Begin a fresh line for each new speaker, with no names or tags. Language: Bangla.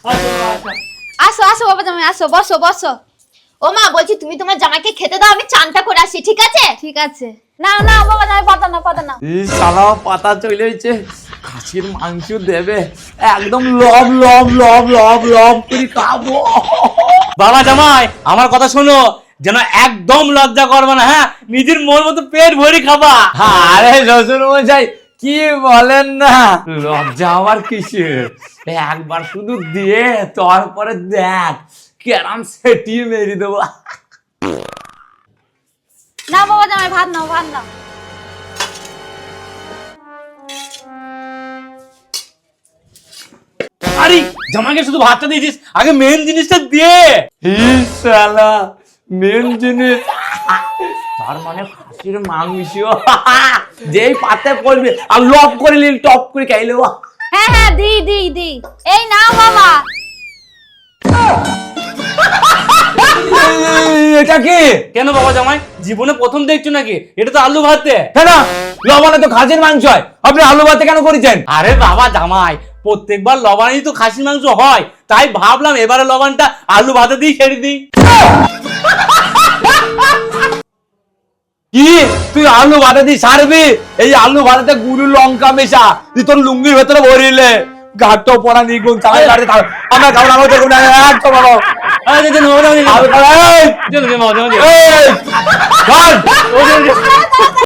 আসো আসো বাবা জামাই আসো, বসো বসো।
ও মা, বলছি তুমি তোমার জামাইকে খেতে দাও, আমি চানটা করে আসি, ঠিক আছে?
ঠিক আছে। না না বাবা জামাই, পাতা না পাতা না।
এই শালা পাতা চলে হয়েছে, খাসির মাংস দেবে, একদম লব লব লব লব লব করে খাবো।
বাবা জামাই আমার কথা শোনো, যেন একদম লজ্জা করবে না, হ্যাঁ, নিজের মন মতো পেট ভরি খাবা।
আরে শ্বশুর মশাই কি বলেন না, লজ্জা আমার কিসের, একবার শুধু দিয়ে তারপরে দেখ কেরাম সেটিয়ে মেরে দেবো।
না বাবা জামাই, ভাত নাও ভাত নাও।
আরে জামাইকে শুধু ভাতটা দিয়েছিস, আগে মেন জিনিসটা দিয়ে।
শালা মেন জিনিস, তার মানে খাসির মাংস যেই পাতে পড়বে আর লব করে নিল, টপ করে খাইলে।
হ্যাঁ হ্যাঁ, দি দি দি, এই নাও বাবা।
এটা কি?
কেন বাবা জামাই, জীবনে প্রথম দেখছো নাকি? এটা তো আলু ভাতে।
কেন লবণে তো খাসির মাংস হয়, আপনি আলু ভাতে কেন করেছেন?
আরে বাবা জামাই, প্রত্যেকবার লবণেই তো খাসির মাংস হয়, তাই ভাবলাম এবারে লবণটা আলু ভাতে দিয়ে ছেড়ে দিই।
কি তুই আলু ভাতে দিয়ে সারবি? এই আলু ভাতে গুরু লঙ্কা মেশা তুই তোর লুঙ্গির ভেতরে ভরিলে, ঘাটটো পড়া নিগুন চালাই গাড়ি খাও, আমরা খাওয়া আমার দেখুন একদম বাবা।
আরে চলো বাবা জামাই,
আলু খাও, এই,
চলো বাবা জামাই।
এই, ধর।